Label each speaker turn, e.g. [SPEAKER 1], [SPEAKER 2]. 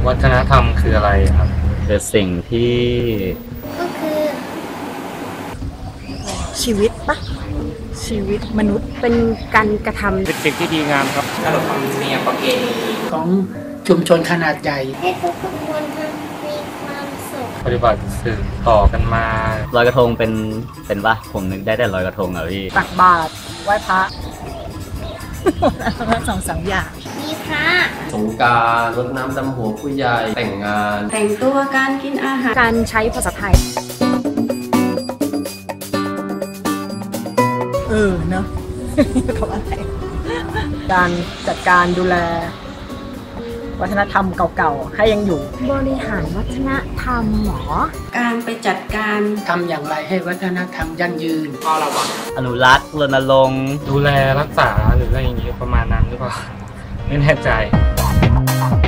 [SPEAKER 1] วัฒนธรรมคืออะไรครับ
[SPEAKER 2] คือสิ่งที่
[SPEAKER 3] ก็คือ
[SPEAKER 4] ชีวิตปะชีวิตมนุษย์เป็นการกระทำ
[SPEAKER 1] เป็นสิ่งที่ดีงามครับขนบธรรมเนียมประเพณี
[SPEAKER 5] ของชุมชนขนาดใหญ่
[SPEAKER 3] ให้ทุกคนมีความสุข
[SPEAKER 1] ปฏิบัติสืบต่อกันมา
[SPEAKER 2] ลอยกระทงเป็นปะผมนึกได้แต่ลอยกระทงอ่ะพี่
[SPEAKER 4] ตักบาตรไหว้พระ2-3 อย่าง
[SPEAKER 3] มีพระ
[SPEAKER 6] สงกรานต์รดน้ำดำหัวผู้ใหญ่แต่งงาน
[SPEAKER 7] แต่งตัวการกินอาหาร
[SPEAKER 4] การใช้ภาษาไทยเนอะเขาอะไรการจัดการดูแลวัฒนธรรมเก่าๆให้ยังอยู่
[SPEAKER 3] บริหารวัฒนธรรมหรอ
[SPEAKER 7] การไปจัดการ
[SPEAKER 5] ทำอย่างไรให้วัฒนธรรมยั่งยืน
[SPEAKER 1] ก็ระวัง
[SPEAKER 2] อนุรักษ์รณรงค์
[SPEAKER 1] ดูแลรักษาหรืออะไรอย่างนี้ประมาณนั้นหรือเปล่าไม่แน่ใจ